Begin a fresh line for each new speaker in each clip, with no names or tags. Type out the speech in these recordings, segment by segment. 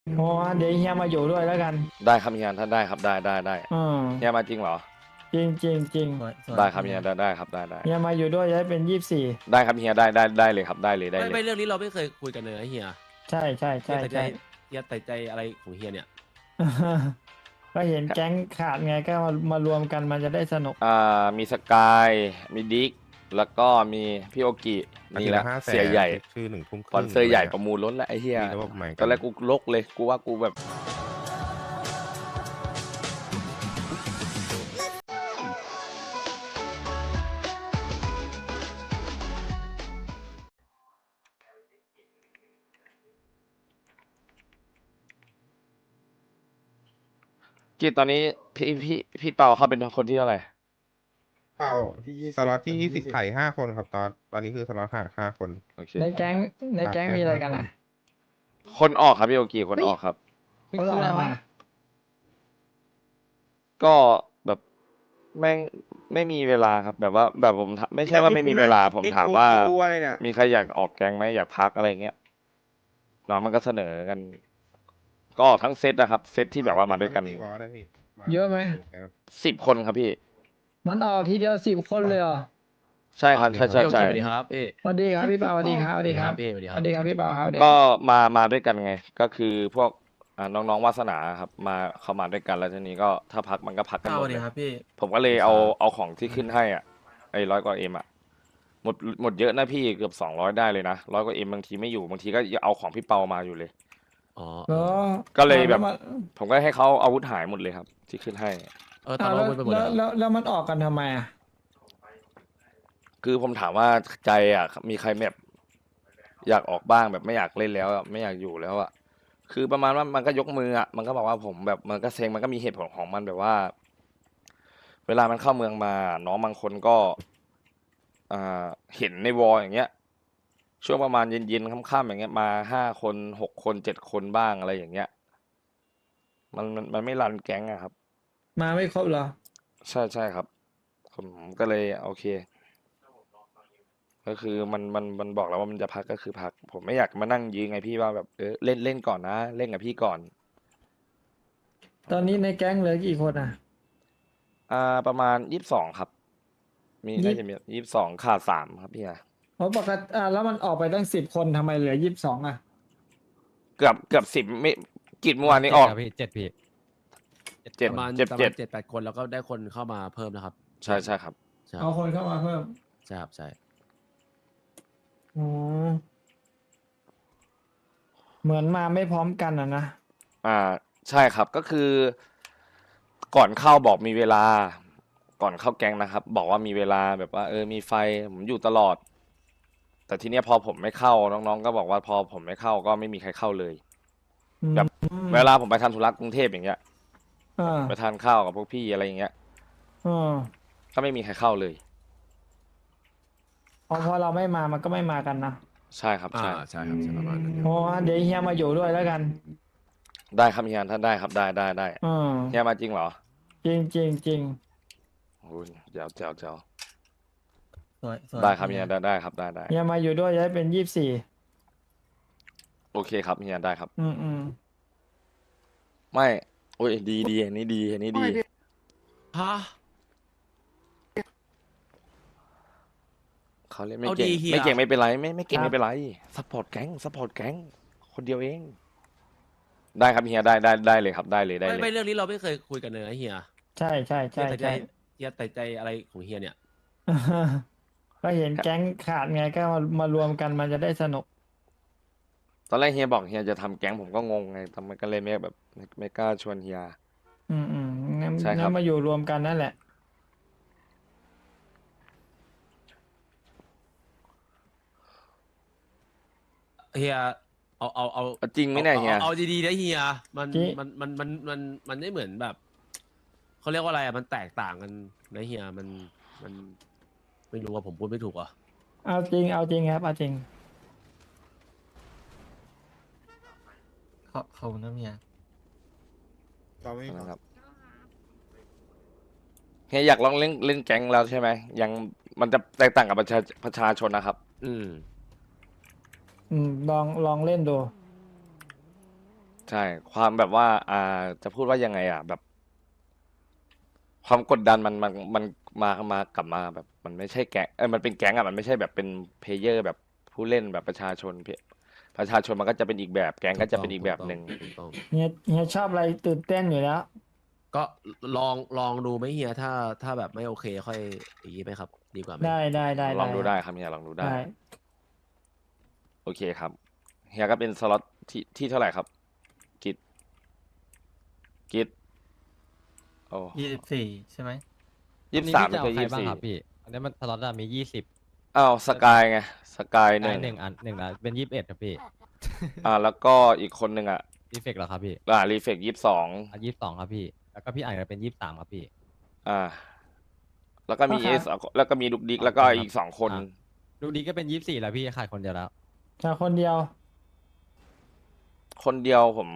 โอ้เดี๋ยวเฮียมาอยู่ด้วยแล้วกัน
ได้ครับเฮียถ้าได้ครับได้
อืม
เฮียมาจริงเหรอ
จริงจริงจริง
สวย
ได้ครับ
เฮีย
เฮียได้ครับได้
เฮียมาอยู่ด้วยจะได้เป็น24
ได้ครับเฮียได้เลยครับได้เลยได้เลย
ไม่เรื่องนี้เราไม่เคยคุยกันเลยนะเฮีย
ใช่ใช่
เฮียแต่ใจ
ใช่ใช่
เฮียแต่ใจอะไรของเฮียเนี่ย
ก็เห็นแก๊งขาดไงก็มารวมกันมันจะได้สนุก
มีสกายมีดิกแล้วก็มีพี่โอกินี่แหละ
500,000
เสียใหญ่
ชื่อ1 ทุ่มค
สปอ
รึ่ง
นเซอร์ใหญ่
ลย
ประมูลล้นแล้วไอ้เหี้ย
มีระบบใหม่กัน
ตอนแรกกูลกเลยกูว่ากูแบบกีตอนนี้พี่เปาเขาเป็นคนที่เท่าไหร่
เปล่าที่สล็อตที่20ไข่5 คนครับตอนนี้คือสล็อตขาด5 คน
โอเค
ในแก๊งในแก๊งมีอะไรกันอ่ะ
คนออกครับพี่โอกิคนออกครับ
เขาบอกอะไรมา
ก็แบบไม่ไม่มีเวลาครับแบบว่าแบบผมถามไม่ใช่ว่าไม่มีเวลาผมถามว่ามีใครอยากออกแก๊งไหมอยากพักอะไรเงี้ยน้องมันก็เสนอกัน ก็ออกทั้งเซตนะครับเซตที่แบบว่ามาด้วยกัน
เยอะไหม
10 คนครับพี่
มันออกทีเดียว10 คนเลยเหรอ
ใช่ครับใช่ใช่ใช่
สวัสดีครับพี่
สวัสดีครับพี่เปาสวัสดีครับสวัสดีครับ
พี่สวัสดีค
ส
รับ
วัสดีครับพี่เปาครับเด็ก
ก็มาด้วยกันไง ก็คือพวกน้องๆวาสนาครับมาเข้ามาด้วยกันแล้วทีนี้ก็ถ้าพักมันก็พักกันหม
ส
ด
วัส
เล
ดี
ย
ครับพี่
ผมก็เลยเอาของที่ขึ้นให้อ่ะไอ้100 กว่าเอ็มอ่ะหมดเยอะนะพี่เกือบ200ได้เลยนะ100 กว่าเอ็มบางทีไม่อยู่บางทีก็เอาของพี่เปามาอยู่เลย
อ๋อ
เหรอ
ก็เลยแบบ
แวมัน
ผมก็ให้เขาอาวุธหายหมดเลยครับ ที่ขึ้นให้
ตอนเราไปหมด
แล้
แล้ว ว
แล้วมันออกกันทำไมอ่ะ
คือผมถามว่าใจอ่ะมีใครแบบอยากออกบ้างแบบไม่อยากเล่นแล้วอะไม่อยากอยู่แล้วอ่ะคือประมาณว่ามันก็ยกมืออ่ะมันก็บอกว่าผมแบบมันก็เซ็งมันก็มีเหตุผลของมันแบบว่า เวลามันเข้าเมืองมาน้องบางคนก็เห็นในวอลอย่างเงี้ยช่วงประมาณเย็นๆค่ำๆอย่างเงี้ยมา5 คน6 คน7 คนบ้างอะไรอย่างเงี้ยมันไม่รันแก๊งอะครับ
มาไม่ครบเหรอ
ใช่ครับผมก็เลยโอเค ก็คือมันบอกแล้วว่ามันจะพักก็คือพัก ผมไม่อยากมานั่งยื้อไงพี่ว่าแบบเล่นก่อนนะเล่นกับพี่ก่อน
ตอนนี้ในแก๊งเหลือกี่คนอ่ะ
ประมาณ22ครับ มีน่าจะมี22ขาด3ครับพี่อะ
เพราะปกติแล้วมันออกไปตั้ง10 คนทำไมเหลือ22อ่ะ
เกือบ10ไม่กิจเมื่อวานนี้ออก
พี่7พี่
เจ็ด
ประมาณ
เจ็ด
ประ
เจ็
มา
ด
ณ7-8 คนแล้วก็ได้คนเข้ามาเพิ่มนะครับ
ใช่ครับ
ใช่
เอาคนเข้ามาเพิ่ม
ใช่ครับใช่
อ๋อเหมือนมาไม่พร้อมกันอ่ะนะ
ใช่ครับก็คือ ก่อนเข้าบอกมีเวลา ก่อนเข้าแก๊งนะครับ บอกว่ามีเวลาแบบว่ามีไฟผมอยู่ตลอด แต่ทีเนี้ยพอผมไม่เข้าน้องๆก็บอกว่าพอผมไม่เข้าก็ไม่มีใครเข้าเลย แบบ เวลาผมไปทำธุระกรุงเทพอย่างเงี้ย
อ่า
ไปทานข้าวกับพวกพี่อะไรอย่างเงี้ย
อ่า
ก็ไม่มีใครเข้าเลย
พอเราไม่มามันก็ไม่มากันนะ
ใช่ครับใช่
ใช่ครับใช่ประมาณนั้น
โอ้เดี๋ยวเฮียมาอยู่ด้วยแล้วกัน
ได้ครับเฮียถ้าได้ครับได้
อืม
เฮียมาจริงเหรอ
จริงจริงจริง
โอ้ยเจ๋ว
สวย
ได้ครับเฮียได้ครับได้
เฮียมาอยู่ด้วยจะได้เป็น24
โอเคครับเฮียได้ครับ
อืม
ไม่โอ้ยดีอันนี้ดี
ฮะ
เขาเล่นไม่
เอา
เก่ง
ดีเฮีย
ไม่เก่งไม่เป็นไรไม่เก่งไม่เป็นไรซัพพอร์ตแก๊งคนเดียวเอง ได้ครับเฮียได้เลยครับได้เลย
ไม่เรื่องนี้เราไม่เคยคุยกันเลยนะเฮีย
ใช่ใช่
เฮี
ใช่
ยแต่ใจ
ใช่
เฮียแต่ใจอะไรของเฮียเนี่ย
ก็เห็นแก๊งขาดไงก็มารวมกันมันจะได้สนุก
ตอนแรกเฮียบอกเฮียจะทำแก๊งผมก็งงไงทำไมก็เลยไม่กล้าชวนเฮีย
งั้น
ใช่ครับ
งั้นมาอยู่รวมกันนั่นแหละ
เฮียเอา
เอาจริงไหมเนี่ยเฮีย
เอาดีๆนะเฮียมัน
จริง
มันไม่เหมือนแบบเขาเรียกว่าอะไรอะมันแตกต่างกันนะเฮียมันไม่รู้ว่าผมพูดไม่ถูกอ่ะ
เอาจริงครับเอาจริง
ขอบคุณนะเมีย
เราไม่
นะครับเฮียอยากลองเล่นแก๊งแล้วใช่ไหมยังมันจะแตกต่างกับประชาชนนะครับ
อืม
ลองเล่นดู
ใช่ ความแบบว่า จะพูดว่ายังไงอ่ะ แบบ ความกดดันมันกลับมาแบบ มันไม่ใช่แก๊งมันเป็นแก๊งอ่ะมันไม่ใช่แบบเป็นเพลเยอร์แบบผู้เล่นแบบประชาชนประชาชนมันก็จะเป็นอีกแบบ แก๊งก็จะเป็นอีกแบบหนึ่ง
ถูกต้อง
เฮียชอบอะไรตื่นเต้นอยู่แล้ว
ก็ลองดูไหมเฮียถ้าแบบไม่โอเคค่อยอย่างนี้ไหมครับ ดีกว่าไหม
ได้
ลองดูได้ครับเฮียลองดูได้
ได้
โอเคครับเฮียก็เป็นสล็อตที่เท่าไหร่ครับ กิจโอ้
24 ใช่ไหม
23ไม่
อัน
ใช่
นี้พี่จะเอาใครบ้าง
24
ครับพี่ อันนี้มันสล็อตอะมี20
อ้าวสกายไงสกายห
ได้
นึ่ง
หนึ่งอันหนึ่งนะเป็น21ครับพี่
แล้วก็อีกคนหนึ่งอ่ะ
รีเฟกเหรอครับพี่
รีเฟก22
อ่ะ22ครับพี่ แล้วก็พี่อ่านก็เป็น23ครับพี่
แล้วก็มี
ก็ครับ
แล้วก็มีดุกดิกแล้วก็อีก2 คน
อ่ะ ลูกดีก็เป็น24แล้วพี่ขาดคนเดียวแล้ว
จากคนเดียว
คนเดียวผม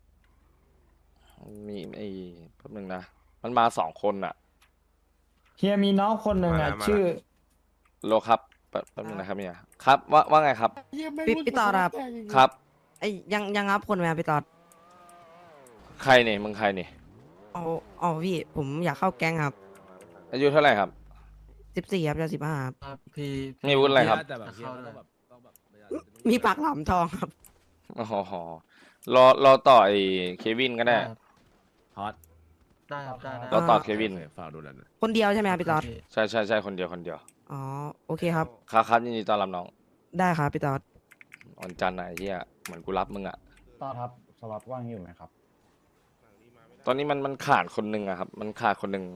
มีแป๊บนึงนะ มันมา2 คนอ่ะ
เฮียมีน้องคนหนึ่งอ่ะ
มาแล้ว
ชื่อ
โลครับแป๊บนึงนะครับเนี่ยครับว่าไงครับ
พี่ตอดครับ
ครับ
ไอ้ยังรับคนไหมครับพี่ตอด
ใครเนี่ยมึงใครเนี่ย
เอาพี่ผมอยากเข้าแก๊งครับ
อายุเท่าไหร่ครับ
14ครับจะ15ครับ
ครับพี่
มีวุฒิอะไรครับ
แต่แบบเฮีย
เข้า
ก็
ด้วย
ต้องแบบ
มีปากหลามทองครับ
อ๋อรอต่อไอ้เควินก็ได้
ครับ
ฮอต
ได้ครับได้
รอต่อเควิน
ฝากดูแลหน่อย
คนเดียวใช่ไหมครับพี่ตอด
ใช่คนเดียว
อ๋อโอเคครับ
ครับยินดีต้อนรับน้อง
ได้ครับพี่ตอด
วันจันทร์ไหนที่เหมือนกูรับมึงอ่ะ
ต่อครับสล็อตว่างอยู่ไหมครับ
ตอนนี้มันขาดคนหนึ่งอะครับ มันขาดคนหนึ่ง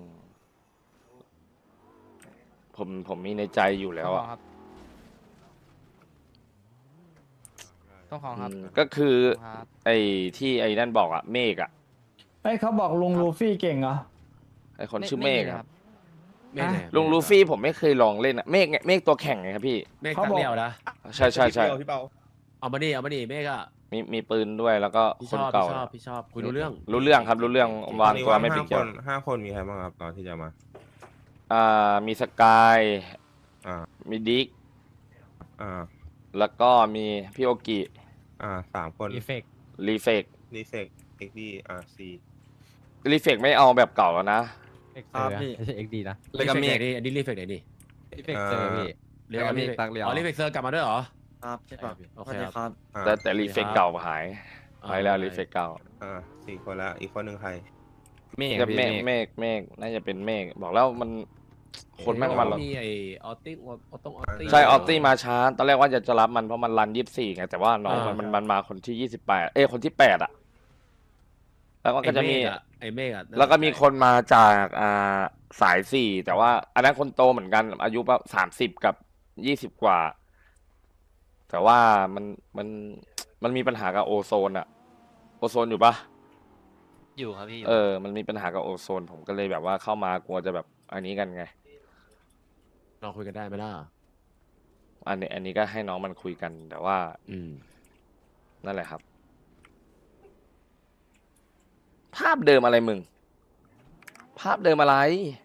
ผมมีในใจอยู่แล้วอะ
ต้องของครับ
ก็คือ ไอ้ที่ไอ้นั่นบอกอะเมฆอะ
เอ้ยเขาบอกลุงลูฟี่เก่งเหรอ
ไอ้คนชื่อเมฆอะครับ
เมฆไหน
ลุงลูฟี่ผมไม่เคยลองเล่นอะเมฆไงเมฆตัวแข่งไงครับพี่
เมฆ
เขา
ตัง
บอก
เดียวนะ
ใช่
เอามาดิเมฆอะ
มีปืนด้วยแล้วก็
พี่
ค
ช
น
อบ
เก่า
พี่ชอบคุยรู้เรื่อง
รู้เรื่องครับรู้เรื่องวางตัวไม่ปิดเกี่ยว
5 คนมีใครบ้างครับตอนที่จะมา
มีสกาย
อ่า
มีดิก
อ่า
แล้วก็มีพี่โอกิ
3 คน
รีเฟก
รีเฟก
รีเซกเอ็กดีซี
รีเฟกไม่เอาแบบเก่าแล้วนะ
เอ็กเซอร์ไม่ใช่ XD นะ
เลยกับเมฆอันนี้รีเฟกไหนดิ
รีเฟกเซอร์พี่
เรียกว่ารีเฟกอ๋อรีเฟกเซอร์กลับมาด้วยเหรอ
ครับใช่ป่ะ
โอเคครับ
แต่รีเฟกเก่าหายไปแล้วรีเฟกเก่า
4 คนแล้วอีกคนหนึ่งใคร
จะเมฆน่าจะเป็นเมฆบอกแล้วมันคนแม่งมันหรอก
มีไอออตติ้งออตตี้
ใช่ออตตี้มาช้าตอนแรกว่าจะรับมันเพราะมันรัน24ไงแต่ว่าน้องมันมาคนที่28คนที่8อ่ะแล้วก็จะมี
ไอเมฆอะ
แล้วก็มีคนมาจากสาย4แต่ว่าอันนั้นคนโตเหมือนกันอายุประมาณ30 กับ20 กว่า แต่ว่ามันมีปัญหากับโอโซนอะโอโซนอยู่ปะ
อยู่ครับพี่
มันมีปัญหากับโอโซน ผมก็เลยแบบว่าเข้ามากลัวจะแบบอันนี้กันไง
เราคุยกันได้ไหมล่ะ
อันนี้ก็ให้น้องมันคุยกัน แต่ว่า นั่นแหละครับ ภาพเดิมอะไรมึง ภาพเดิมอะไร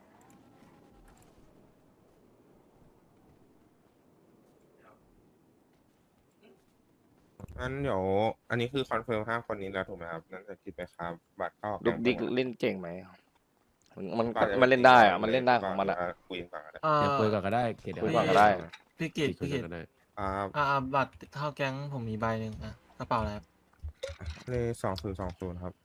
งั้นเดี๋ยวอันนี้คือคอนเฟิร์ม5 คนนี้แล้วถูกไหมครับนั่นจะคิดไปครับบัตรเข้า
ดุกดิกเล่นเก่งไหมมัน
ก่อจะ
มันเล่นได้อะมันเล่นได้ของมันอะ
คุยกันก่อนก็ได้
เดี๋ยวคุยก่อนก็ได้เดี๋ยว
คุยก่อนก็ได้
พี่กิต
คุย
พี่
ก่
กิ
อน
ต
ก็ได้
บัตรเข้าแก๊งผมมีใบหนึ่งกระเป๋าอะไรครับ
เลข2020ครับ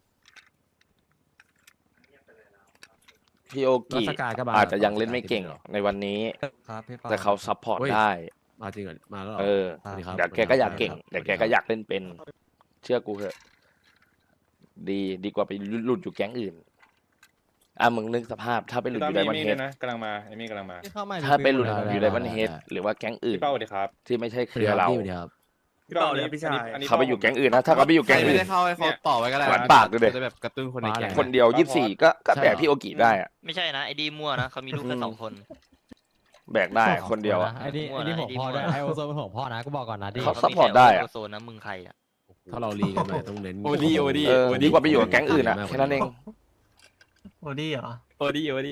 พี่โอ
แล้ว
กิ
สกายก็มา
อาจจะยังเล่นไม่เก่งในวันนี้
ครับพี่
แต่เขาซัพพอร์ตได้
มาจริงเหรอมาแล้วเหรอ สวัสดีครับ
เดี๋ยวแกก็อยากเก่ง
สวัสดีครับ
เดี๋ยวแกก็อยากเล่นเป็น เชื่อกูเถอะ ดีกว่าไปหลุดอยู่แก๊งอื่น มึงนึกสภาพ ถ้าไปหลุดอยู่ไดมอนเฮด
กำลังมาไอ้มี่กำลังมา
ที่เข้ามา
ถ้าไปหลุด
ได้
อยู่ไดมอนเฮดหรือว่าแก๊งอื่น
พี่เป้าสวัสดีครับ
ที่ไม่ใช่เค
สวัส
รื
ดี
อ
ครับ
เรา
พี่สวัสดีครับ
พี่เป้าอันนี้พี่ชายอันนี้
เขาไปอยู่แก๊งอื่นนะ ถ้าเขาไปอยู่แก๊งอื่น
เขาต่อไว้ก็ได้
หวานปากดูดิ
จะแบบกระตุ้นคนในแก๊ง
คนเดียว24ก็แบกพี่โอกิได้อะ
ไม่ใช่นะไอดีมั่วนะเขามีลูกแค่2 คน
แบกได้คนเดียวอะ
ไอ้นี่หัวพ่อด้วยไอโอโซเป็นหัวพ่อนะกูบอกก่อนนะดิ
เขา ซัพพอร์ตได้อะ
โซนนะมึงใครอ่ะ
ถ้าเราลีกันหน่อยต้องเน้น
ดีกว่าไปอยู่กับแก๊งอื่นอะแค่นั้นเอง
โอดี้เหรอ
โอดี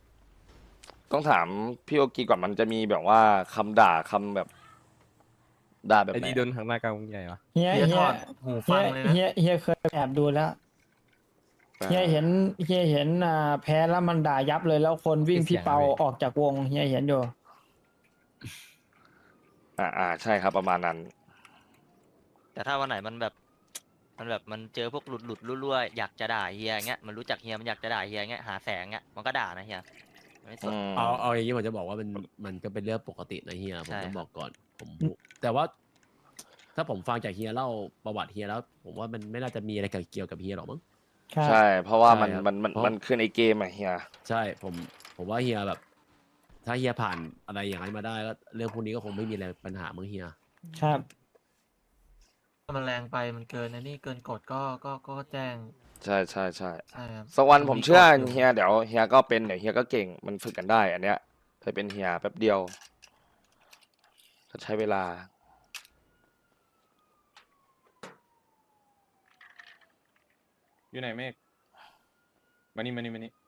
ต้องถามพี่โอกิก่อนมันจะมีแบบว่าคำด่าคำแบบด่าแบบ
ไอ้
ไหน
ที่โดนข้างหน้ากลางวงใหญ่วะ
เฮีย
เฮีย
เฮี
ถ
ย
อดหูฟังเลยนะ
เฮียเคยแอบดูแล้วเฮียเห็นแพ้แล้วมันด่ายับเลยแล้วคนวิ่งพี่เปาออกจากวงเฮียเห็นอยู่
ใช่ครับประมาณนั้น
แต่ถ้าวันไหนมันแบบมันเจอพวกหลุดรั่วๆอยากจะด่าเฮียเงี้ยมันรู้จักเฮียมันอยากจะด่าเฮียเงี้ยหาแสงเงี้ยมันก็ด่านะเฮียไม่สน
เอาอย่างนี้ผมจะบอกว่ามันก็เป็นเรื่องปกตินะเฮียผม
ใช่
ต้องบอกก่อนแต่ว่า ถ้าผมฟังจากเฮียเล่าประวัติเฮียแล้ว ผมว่ามันไม่น่าจะมีอะไรเกี่ยวกับเฮียหรอกมั้ง
ครับ
ใช่ เพราะว่ามัน
ใช่ครับ
มัน
เพราะ
มันขึ้นไอเกมอะเฮีย
ใช่ผมว่าเฮียแบบ ถ้าเฮียผ่านอะไรอย่างนั้นมาได้ก็เรื่องพวกนี้ก็คงไม่มีอะไรปัญหามั้งเฮีย
ครับ
ถ้ามันแรงไปมันเกินนะนี่เกินกฎก็แจ้ง
ใช่
ใช่ครับ
สักวันผมเชื่อ
มันมีกฎอยู่
เฮียเดี๋ยวเฮียก็เป็นเดี๋ยวเฮียก็เก่งมันฝึกกันได้ อันเนี้ยเคยเป็นเฮียแป๊บเดียวก็ใช้เวลา
อยู่ไหนเมฆมานี่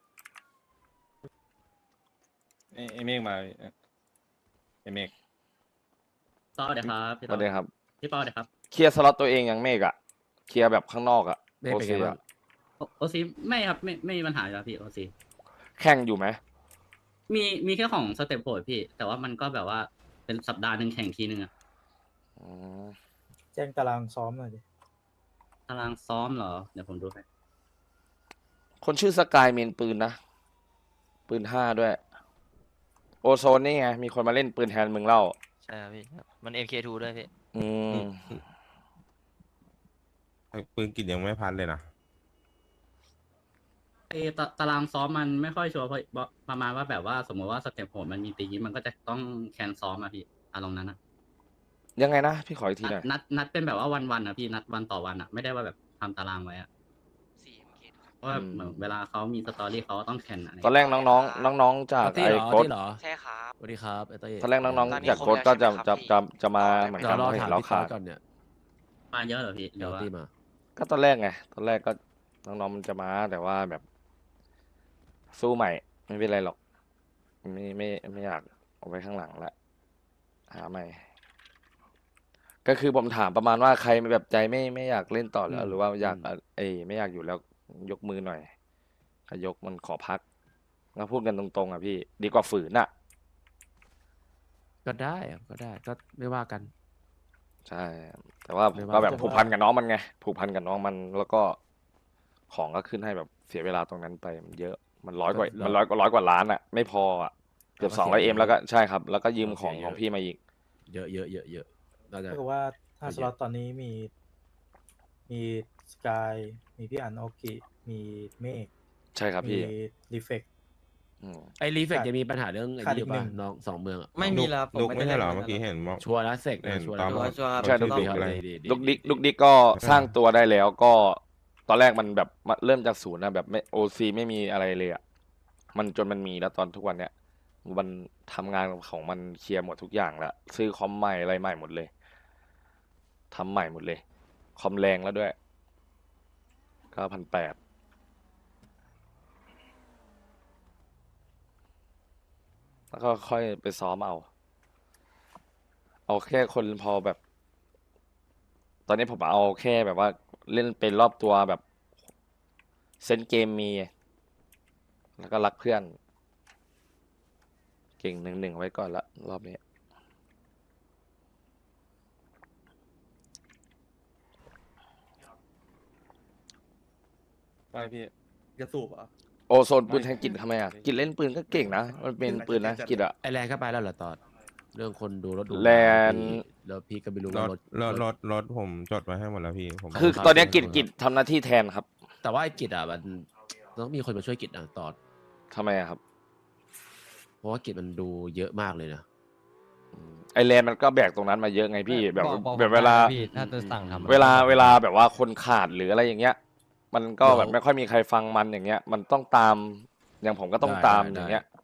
ไอ้เมฆมาไอ้เมฆ
เปาเดี๋ยวครับพี่
สวัสดีครับ
พี่เปาเดี๋ยวครับ
เคลียร์สล็อตตัวเองยังเมฆอะเคลียร์แบบข้างนอกอะ
เมฆเป็นไง
OC
บ้าง
อะ
โอซีไม่ครับไม่มีปัญหาอยู่แล้วพี่โอซี
แข่งอยู่ไหม
มีแค่ของสเต็ปโหดพี่ แต่ว่ามันก็แบบว่าเป็นสัปดาห์หนึ่งแข่งทีนึงอะ
อืม
แจ้งตารางซ้อมหน่อยดิ
ตารางซ้อมเหรอ เดี๋ยวผมดูให้
คนชื่อสกายเมนปืนนะ ปืน5ด้วย โอโซนนี่ไง มีคนมาเล่นปืนแทนมึงเล่า
ใช่ครับพี่มัน MK2 ด้วยพี่
อืม
ปืนกิจยังไม่พันเลยนะ
ตารางซ้อมมันไม่ค่อยชัวร์เพราะประมาณว่าแบบว่าสมมติว่าสเต็ปโหดมันมีตีมันก็จะต้องแคนซ้อมอะพี่อารมณ์นั้นอะ
ยังไงนะ พี่ขออีกทีหน่อย
นัดเป็นแบบว่าวันอะพี่นัดวันต่อวันอะไม่ได้ว่าแบบทำตารางไว้อะเพราะว่าเหมือนเวลาเขามีสตอรี่เขาก็ต้องแข่งอะไร
ตอนแรกน้องๆจาก
ตี้
ไอ้
เหรอ
โค้ด
ตี้เหรอ
ใช่ครับ
สวัสดีครับไอ้เต้ย
ตอนแรกน้อง
ตอนนี้
ๆจาก
ครบ
โค้ด
แล้ว
ก็
ใช่ไหมครับพี่
จะมาเหมือน
เดี๋ย
กัน
วรอ
เห็
ถาม
นเรา
พี่ตอ
ขา
ด
ด
ก่อนเนี่ย
มาเยอะเหรอพี่ห
เดี๋
รื
ยว
อว่า
ตี้มา
ก็ตอนแรกไง ตอนแรกก็น้องๆมันจะมาแต่ว่าแบบ สู้ใหม่ ไม่เป็นไรหรอก ไม่อยากเอาไว้ข้างหลังละหาใหม่ ก็คือผมถามประมาณว่าใครแบบใจไม่อยากเล่นต่อแล้ว หรือว่าอยากไม่อยากอยู่แล้วยกมือหน่อยถ้ายกมันขอพักก็พูดกันตรงๆอ่ะพี่ ดีกว่าฝืนอ่ะ
ก็ได้ก็ไม่ว่ากัน
ใช่ แต่ว่าผมก็แบบผูกพันกับน้องมันไง ผูกพันกับน้องมัน แล้วก็ของก็ขึ้นให้แบบเสียเวลาตรงนั้นไปมันเยอะ มันร้อยกว่าล้านอ่ะ ไม่พออ่ะ เกือบ200Mแล้วก็ใช่ครับ แล้วก็ยืมของพี่มาอีก
เยอะน่าจะ
ก็คือว่าถ้าสล็อตตอนนี้มีสกายมีพี่อันโอกิมีเมฆ
ใช่ครับ
มี
พี่
รีเฟก
อืม
ไอ้รีเฟกจะมีปัญหาเรื่องไอ้
ขาด
นี่
อี
อก ยู่
หนึ่
ป่ะ
ง
น้องสองเมืองอะ
ไม่มีแล้วผม
ลุก
ไม่
ไม่
ได้
ใช่เหรอ
ล่น
เมื่อกี้เห็นบอก
ชัวร์แล้วเสก
เห็น
ชัวร์
ตอ
แล้
ม
ว
ชัวร์
ใช่
ชื่อ
ดุกดิก
อะไร
ลูกดิกก็สร้างตัวได้แล้วก็ตอนแรกมันแบบเริ่มจากศูนย์นะแบบไม่โอซีไม่มีอะไรเลยอ่ะมันจนมันมีแล้วตอนทุกวันเนี้ยมันทำงานของมันเคลียร์หมดทุกอย่างแล้วซื้อคอมใหม่อะไรใหม่หมดเลยทำใหม่หมดเลย คอมแรงแล้วด้วย9,800แล้วก็ค่อยไปซ้อมเอาแค่คนพอแบบ ตอนนี้ผมเอาแค่แบบว่าเล่นเป็นรอบตัวแบบเซนส์เกมมี แล้วก็รักเพื่อน เก่ง1-1ไว้ก่อนละรอบนี้
ไปพี่
จะสูบเหรอ
โอโซนปืนแทงกิจทำไมอ่ะกิจเล่นปืนก็เก่งนะ มันเป็นปืนนะกิจอ่ะ
ไอ้แรงก็ไปแล้วเหรอตอนเรื่องคนดูรถดู
แลน
แล้วพี่ก็ไม่รู้
ร
ว่า
ถรถผมจดไว้ให้หมดแล้วพี่ผม
คือตอนเนี้ยกิจทำหน้าที่แทนครับ
แต่ว่าไอ้กิจอ่ะมันต้องมีคนมาช่วยกิจนะตอน
ทำไมอะครับ
เพราะว่ากิจมันดูเยอะมากเลยนะ
ไอแลนด์มันก็แบกตรงนั้นมาเยอะไงพี่แบบ
บอก
แบบเวลา
ได้นะพี่ถ้าจะสั่งทำ
เวลาแบบว่าคนขาดหรืออะไรอย่างเงี้ย มันก็แบบไม่ค่อยมีใครฟังมันอย่างเงี้ย มันต้องตามอย่างผมก็ต้องตามอย่างเงี้ย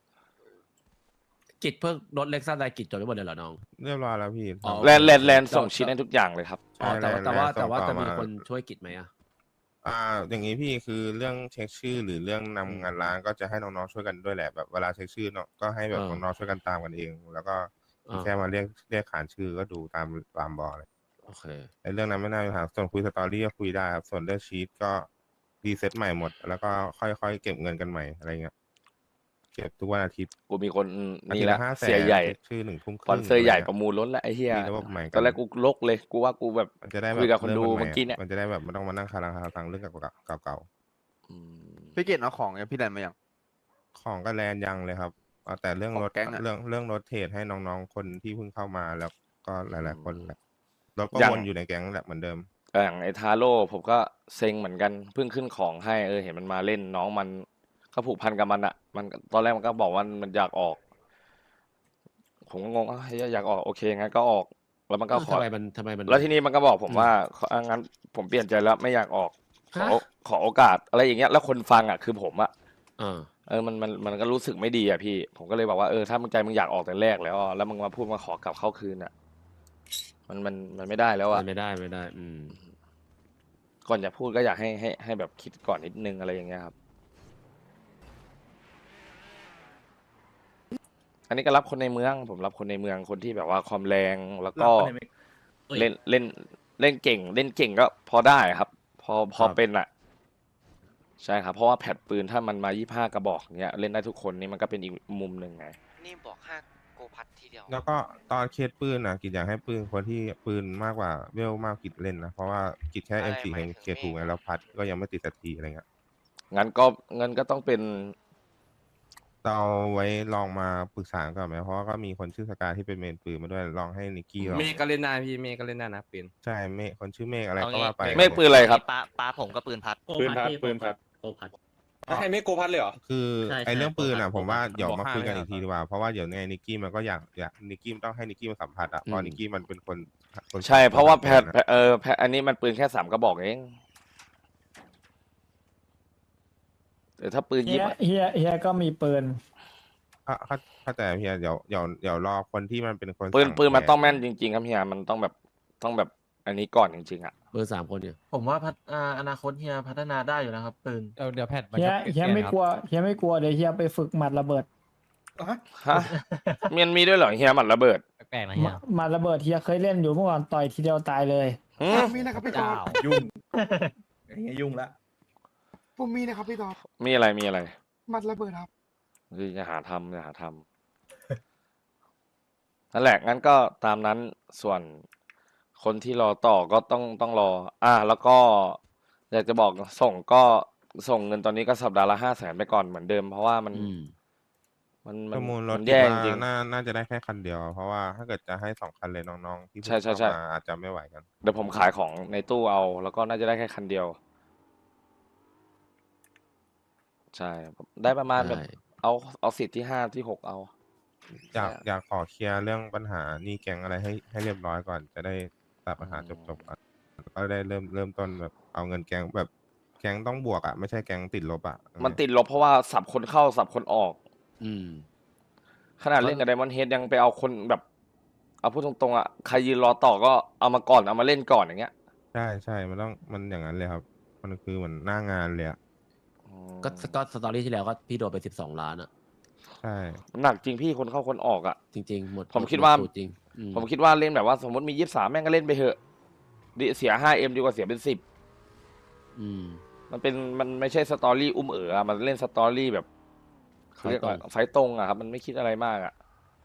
กิจเพิ่งรถเล็กซัสไดกิจจดไว้หมดเลยเหรอน้อง
เรียบร้อยแล้วพี่
อ๋อ
แลนด์ส่งชิ้นให้ทุกอย่างเลยครับ
อ๋อแต่ว่า
แลนด์
แต่ว่า
ส่งต่อ
จะมี
มา
คนช่วยกิจไหมอ่ะ
อย่างนี้พี่คือเรื่องเช็คชื่อหรือเรื่องนำงานร้านก็จะให้น้องๆช่วยกันด้วยแหละแบบเวลาเช็คชื่อเนาะก็ให้แบบน้องๆช่วยกันตามกันเอง แล้วก็
อ่า
แค่มาเรียกขานชื่อก็ดูตามบอเลย
โอเค
ไอ้เรื่องนั้นไม่น่ามีปัญหาส่วนคุยสตอรี่ก็คุยได้ครับส่วนเรื่องชีตก็รีเซ็ตใหม่หมด แล้วก็ค่อยๆเก็บเงินกันใหม่อะไรเงี้ยเก็บทุกวันอาทิตย์
กูมีคน
อา
นี่
ทิตย์
แหละ
ละ500,000
เสียใหญ่
ชื่อ1 ทุ่มค
สปอ
รึ่
น
ง
เซอร์ใหญ่
ะไงี้ย
ประมูลล้นแล้วไอ้เหี้ย
มีระบบใหม่กัน
ตอนแรกกูลกเลยกูว่ากูแบบ
มันจะได้แบ
คุ
บ
ยกับคน
เริ่
ดู
มให
เมื่อกี้เนี่ย
มันจะได้แบบไม่ต้องมานั่งคาราฟังเรื่องเก่า
อืม
พี่เกดเอาของเนี่ยพี่แดนมาอย่าง
ๆของก็แลนยังเลยครับเอาแต่เรื่อง
ของ
รถ
แก๊งอะ
เรื่องรถเทรดให้น้องๆคนที่เพิ่งเข้ามาแล้วก็หลายๆคนแหละรถก็
ยัง
วนอยู่ในแก๊งแหละเหมือนเดิม
อย่างไอ้ทาโร่ผมก็เซ็งเหมือนกันเพิ่งขึ้นของให้เห็นมันมาเล่นน้องมันก็ผูกพันกับมันอะมันตอนแรกมันก็บอกว่ามันอยากออก ผมก็งงเฮ้ยอยากออกโอเคงั้นก็ออก แล้วมันก็ขอ
ทำไมมัน
แล้วทีนี้มันก็บอกผมว่างั้นผมเปลี่ยนใจแล้วไม่อยากออกขอโอกาสอะไรอย่างเงี้ยแล้วคนฟังอะคือผมอะ มันก็รู้สึกไม่ดีอะพี่ ผมก็เลยบอกว่าถ้ามึงใจมึงอยากออกแต่แรกแล้วแล้วมึงมาพูดมาขอกลับเข้าคืนอะมันไม่ได้แล้วอะ
ไม่ได้
ก่อนจะพูดก็อยากให้แบบคิดก่อนนิดนึงอะไรอย่างเงี้ยครับ อันนี้ก็รับคนในเมือง ผมรับคนในเมืองคนที่แบบว่าความแรงแล้วก็เล่นเก่งก็พอได้ครับ พอเป็นอะใช่ครับ เพราะว่าแพดปืนถ้ามันมา25 กระบอกเงี้ยเล่นได้ทุกคนนี่มันก็เป็นอีกมุมหนึ่งไง
นี่บอก5โกพัดทีเดียว
แล้วก็ตอนเคสปืนนะกิจอยากให้ปืนคนที่ปืนมากกว่าเวลมากกิจเล่นนะเพราะว่ากิจแค่ M4
หมายถึง
เคสถูกไงแล้วพัดก็ยังไม่ติดสักทีอะไรเงี้ย
งั้นก็ต้องเป็น
เราไว้ลองมาปรึกษาก่อนไหมเพราะว่าก็มีคนชื่อสกายที่เป็นเมนปืนมาด้วยลองให้นิกกี้ลอง
เมฆก็เล่นได้พี่เมฆก็เล่นได้นะปืน
ใช่เมฆคนชื่อเมฆอะไร
เอา
ก็
งี้
ว่าไป
ไม่ปืนอะไรครับ
ปลาผมก็ปืนพัด
ปืนพัดปืนพัด
โกพัด
ให้เมฆโกพัดเลยเหรอ
คือ
ใช่
ไอ้เรื่องปืนอ่ะ
ใช่
ผมว่า
ผม
เดี๋ยว
บอก
มา
ห้า
คุยกัน
ไม่
อีก
ได้
ทีดีกว่าเพราะว่าเดี๋ยวไงนิกกี้มันก็อยากนิกกี้ต้องให้นิกกี้มาสัมผัสอ่ะเพราะนิกกี้มันเป็นคน
ใช่เพราะว่าแพด
นะ
แพดอันนี้มันปืนแค่3 กระบอกเองแต่ถ้าปืน
เฮียก็มีปืน
เข้าใจเพียเดี๋ยวรอคนที่มันเป็นคน
ปืน
สั่
ปืนมัน
แท
ต้องแม่นจริงๆครับเฮียมันต้องแบบอันนี้ก่อนจริงๆอ่ะ
เบอร์3 คนเนี่ย
ผมว่าอนาคตเฮียพัฒนาได้อยู่นะครับปืน
เดี๋ยวแพท
เฮียไม่กลัวเดี๋ยวเฮียไปฝึกหมัดระเบิด
ฮะมันมีด้วยเหรอเฮียหมัดระเบิด
แปลกๆนะเฮีย
หมัดระเบิดเฮียเคยเล่นอยู่เมื่อก่อนต่อยทีเดียวตายเลย
หืม
มีนะครับพี่ตอด
ยุ่ง
อย่างเงี้ยยุ่งละผมมีนะครับพี่ตอด
มีอะไร
หมัดระเบิดครับ
อย่าหาทำนั่นแหละงั้นก็ตามนั้นส่วนคนที่รอต่อก็ต้องรอแล้วก็อยากจะบอกส่งเงินตอนนี้ก็สัปดาห์ละ500,000ไปก่อนเหมือนเดิมเพราะว่ามัน
ประมูลรถ
มัน
คิด
แย่จ
ว่า
ริง
น่าจะได้แค่คันเดียว เพราะว่าถ้าเกิดจะให้2 คันเลยน้องๆที่เพิ่ง
ใช่
เข้ามาอาจจะไม่ไหวกัน
เดี๋ยวผมขายของในตู้เอา แล้วก็น่าจะได้แค่คันเดียว ใช่ได้ประมาณแบบ
ใช่
เอาสิทธิ์ที่5ที่6เอา
อยากขอเคลียร์เรื่องปัญหาหนี้แก๊งอะไรให้เรียบร้อยก่อน จะได้ตัดปัญหาจบๆก่อนแล้วก็ได้เริ่มต้นแบบเอาเงินแก๊งแบบแก๊งต้องบวกอ่ะไม่ใช่แก๊งติดลบอ่ะ
มันติดลบเพราะว่าสับคนเข้าสับคนออก
อืม
ขนาดเล่นกับไดมอนด์เฮดยังไปเอาคนแบบ เอาพูดตรงๆอ่ะใครยืนรอต่อก็เอามาก่อนเอามาเล่นก่อนอย่างเงี้ย
ใช่มันอย่างนั้นเลยครับ มันคือเหมือนหน้างานเลยอ่ะ
ก็สตอรี่ที่แล้วก็พี่โดนไป12 ล้านอ่ะ
ใช่
หนักจริงพี่คนเข้าคนออกอ่ะ
จริงๆหมด
ผมคิดว่า
หสูตรจริงอื
ผมคิดว่าเล่นแบบว่าสมมติมี23แม่งก็เล่นไปเถอะเสีย 5M ดีกว่าเสียเป็น10
อืม
มันไม่ใช่สตอรี่อุ้มอะมันเล่นสตอรี่แบบเขาเรียกว่าไฟตรงอะครับ มันไม่คิดอะไรมากอะ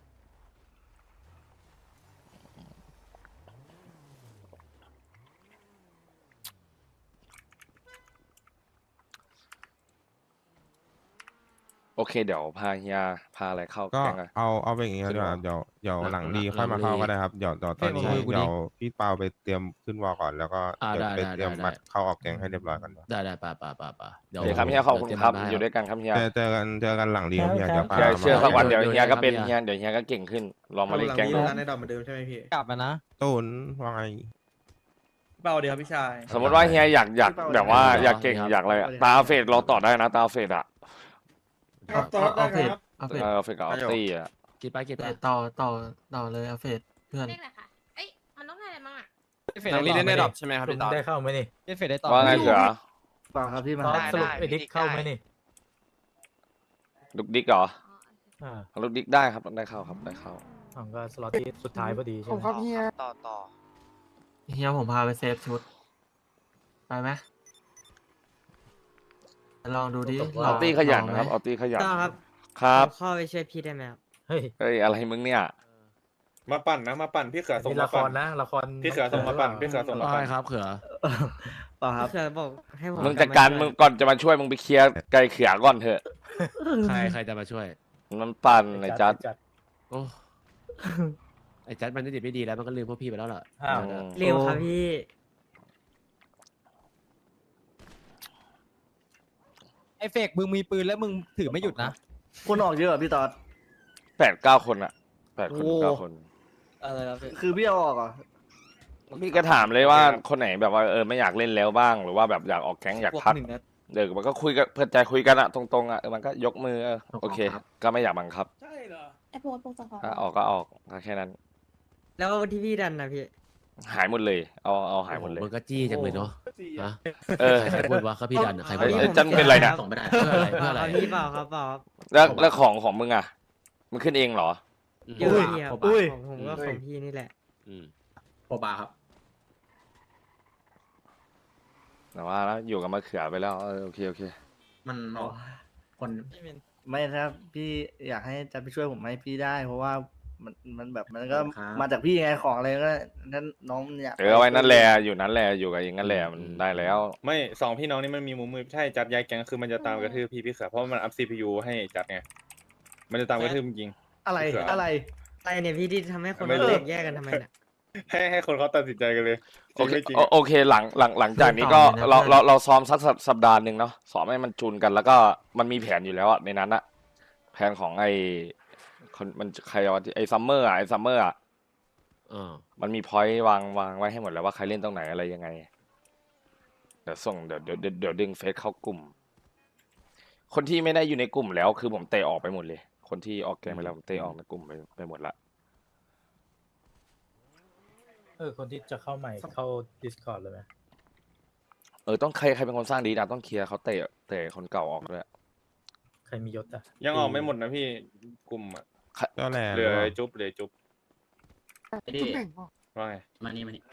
โอเคเดี๋ยวพาเฮียพาอะไรเข้า
ก็
แก๊งอะ
เอาไปอย่างงี้ดีกว่าเดี๋ยวหลังดีค่อยมาเข้าก็ได้ครับเดี๋ยวตอนนี้
เฮ้ยมึงคุยกูดิ
เดี๋ยวพี่เปาไปเตรียมขึ้นวอลก่อนแล้วก็เดี๋ยวไป
ได้
เตรียม
ได้
มัดเข้าออกแก๊งให้เรียบร้อยก่อน
ได้ป่ะ
เดี๋ยวครับเฮียขอบคุณครับอยู่ด้วยกันครับเฮีย
เจอกันหลังดีครับเฮียเดี๋ยวพา
เชื่อสักวัน
มา
เดี๋ยวเฮียก็เป็นเฮียเดี๋ยวเฮียก็เก่งขึ้นลองมาเล่นแก๊งดู
ในดอกเหมือนเดิมใช่ไหมพี่
กลับมานะ
ตูนว่าไง
เปล่าเดียวพี่ชาย
สมมติว่าเฮียอยากแบบว่าอยากเก่งอยากอะไรอะตาเฟดเราต่อได้นะตาเฟดอะ
ครับตอดได้ครับ
เอาเฟส
เฟดกับออฟตี้อะ
กินไป
ต่อเลยเอาเฟสเพื่อน
เลขอะไรคะเอ้ย มันต้องได้อะไรบ้างอ่ะ
เฟดได้เล่นได้ดรอปใช่ไหมครับพี่ตอน
ได้เข้าไหมนี่
เล่นเฟดได้ต่อ
ว่าไงเสือ
เปล่าครับพี่มา
ได้สรุปไอ้ดิ๊กเข้าไหมนี่
ลูกดิ๊กเหรอ
อ๋อโอเค
ลูกดิ๊กได้ครับได้เข้าครับได้เข้า
ผมก็สล็อตที่สุดท้ายพอดีใช่
ผม
ไหม
ครับเฮีย
ต่อ
เฮียผมพาไปเซฟชุด ไปไหมลองดูดิ
เอาตี้ขยันนะครับเอาตี้ขยัน
ครับ
ครับ
เข้าไปช่วยพี่ได้ไหมครับ
เฮ้ย
เฮ้ยอะไรมึงเนี่ย
มาปั่นนะมาปั่นพี่เขือส่ง
นี่
มา
ละค
ปั่
ร
น
นะละคร
พี่เขือส่งมาปั่นพี่เขือส่งมา
ว่า
ปั่
ไง
น
ครับเขือ
ป่าครับเสือบอกให้ผม
มึงจัดการมึงก่อนจะมาช่วยมึงไปเคลียร์ไก่เขือก่อนเถอะ
ใครจะมาช่วย
มันปั่นไอ้จัด
โอ้ไอ้จัดมันได้ดีไม่ดีแล้วมันก็ลืมพวกพี่ไปแล้วเหรอ
อ้าว
เร็วครับพี่
ไอเฟกมึงมีปืนแล้วมึงถือไม่หยุดนะ
คนออกเยอะพี่ตอด
8-9 คนอะ8 คน 9 คน
อะไรครับ
คือพี่เอาออกอ่ะ
พี่ก็ถามเลยว่าคนไหนแบบว่าไม่อยากเล่นแล้วบ้างหรือว่าแบบอยากออกแก๊งอยากพักเดี๋ยวมันก็คุยกันเพื่อใจคุยกันอะตรงๆอะมันก็ยกมือโอเค ก็ไม่อยากบังคับ
ใช่เหรอ ไอ้โพสต์จะขอ
ถ้าออกก็ออกก็แค่นั้น
แล้วที่พี่ดันนะพี่
หายหมดเลยเอาหายหมดเลย
มันก็จี้จังเลยเนาะฮะ
เออ
ใครพูดว่าเขาพี่ดันอะใครพูด
เอ้
ว่าย
จันเป็นไรเนี่ย
ส่งไม่ได้
เพื่ออะไรเพื่ออะไร
เอาพี่เปล่าครับเปล่าครับ
แล้วของมึงอะมึงขึ้นเองเหรอ
เยอะพี่ครับ
อุ้ย
ของผมก็ของพี่นี่แหละ
อืม
โอบาครับ
แต่ว่าแล้วอยู่กับมะเขือไปแล้วโอเค
มันคน
ไม่ถ้าพี่อยากให้จะไปช่วยผมให้พี่ได้ เพราะว่ามันแบบมันก็
ครับ
มาจากพี่ไงของอะไรก็นั้นน้องอยาก
เอาไว้นั่นแหละอยู่นั่นแหละอยู่กับเองนั่นแหละมันได้แล้ว
ไม่สองพี่น้องนี่มันมีมุมมือใช่จัดย้ายแก๊งคือมันจะตามกระทืบพี่เขือเพราะมันอัพ CPU ให้จัดไงมันจะตามกระทืบจริง
อะไร
เผื่ออ
อะไร
อะไรเนี่ยพี่ที่ทำให้คน
ไม่รู้
แตกแยกกันทำไมเนี่ย
ให้คนเขาตัดสินใจกันเลยจ
โอ
ริง
เค
ไม่จริง
โอเคหลังจากนี้ก็เราซ้อมสักสัปดาห์หนึ่งเนาะซ้อมให้มันจูนกันแล้วก็มันมีแผนอยู่แล้วอะในนั้นอะแผนของไอ้คนมันใครวะไอ้ซัมเมอร์อะมันมีพอยต์วางไว้ให้หมดแล้วว่าใครเล่นตรงไหนอะไรยังไงเดี๋ยวส่งเดี๋ยวดึงเฟซเข้ากลุ่ม คนที่ไม่ได้อยู่ในกลุ่มแล้วคือผมเตะออกไปหมดเลย คนที่ออกแกงไปแล้วผมเตะออกในกลุ่มไปหมดละ
คนที่จะเข้าใหม่เข้า Discord เลยไหม
ต้องใครเป็นคนสร้างดีนะต้องเคลียร์เขาเตะคนเก่าออกด้วย
ใครมียศอ่ะ
ยังออกไม่หมดนะพี่กลุ่มอะ
เจ้าแหล่
เหลือจุ๊บเหลือจุ๊บ
ไอ้ดิ
ว่าไง
มานี่มานี่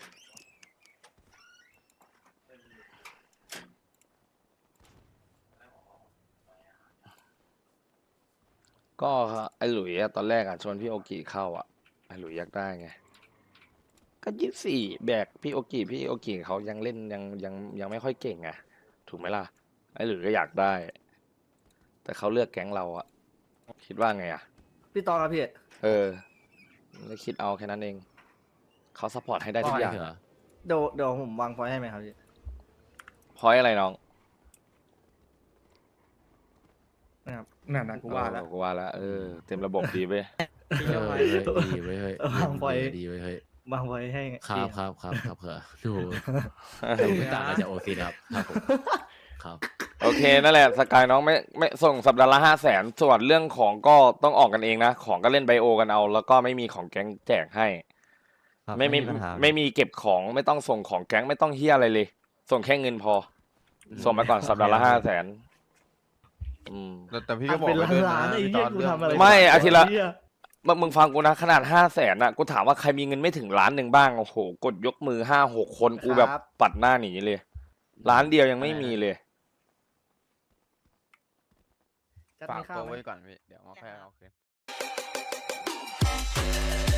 ก็ไอ้หลุยอะตอนแรกอะชวนพี่โอกิเข้าอะไอ้หลุยอยากได้ไงก็24แบกพี่โอกิเขายังเล่นยังไม่ค่อยเก่งไงถูกไหมล่ะไอ้หลุยก็อยากได้ แต่เขาเลือกแก๊งเราอะคิดว่าไงอะ
พี่ตอดครับพี่
แล้วคิดเอาแค่นั้นเองเขาซัพพอร์ตให้ได้ทุกอย่าง
เขือ
เดี๋ยวผมวางพอยต์ให้ไหมครับพี่
พอยอะไรน้อง
นะครับ
นั่นนะกูว่าแล้ว
กูว่าแล้วเต็มระบบดีเว้ย
พี่
เอ
ก็
อ
ไป
ดีเว้ยเฮ้ยว
างไว้
ดีเว้ยเฮ้ยว
างพอยต์ให้
ครับ
พี่
ครับเขือดูไม่ต่างกันจากโอซีครับครับผมครับ
โอเคนั่นแหละสกายน้องไม่ส่งสัปดาห์ละ500,000ส่วนเรื่องของก็ต้องออกกันเองนะของก็เล่นไบโอกันเอา แล้วก็ไม่มีของแก๊งแจกให้ไม่มีเก็บของไม่ต้องส่งของแก๊งไม่ต้องเฮียอะไรเลย ส่งแค่เงินพอ ส่งมาก่อนสัปดาห์ละ500,000
แต่พี่ก็บอก
เป็น
ไว้ด้วย
ล้าน
นะ
ๆไอ้
พี่
เหี้
ต
ย
อน
กู
เรื่อง
ทำอะไร
ไม่อาทิตย์ละ
เหี้ย
มึงฟังกูนะขนาด500,000อะกูถามว่าใครมีเงินไม่ถึงล้านหนึ่งบ้างโอ้โหกดยกมือ5-6 คนกูแบบปัดหน้าหนีเลยล้านเดียวยังไม่มีเลย
จัด
ฝาก
มีข้า
ตัว ว
ไหม
ไว้ก่อนพี่ เดี๋ยวมาค่อยเอาคืน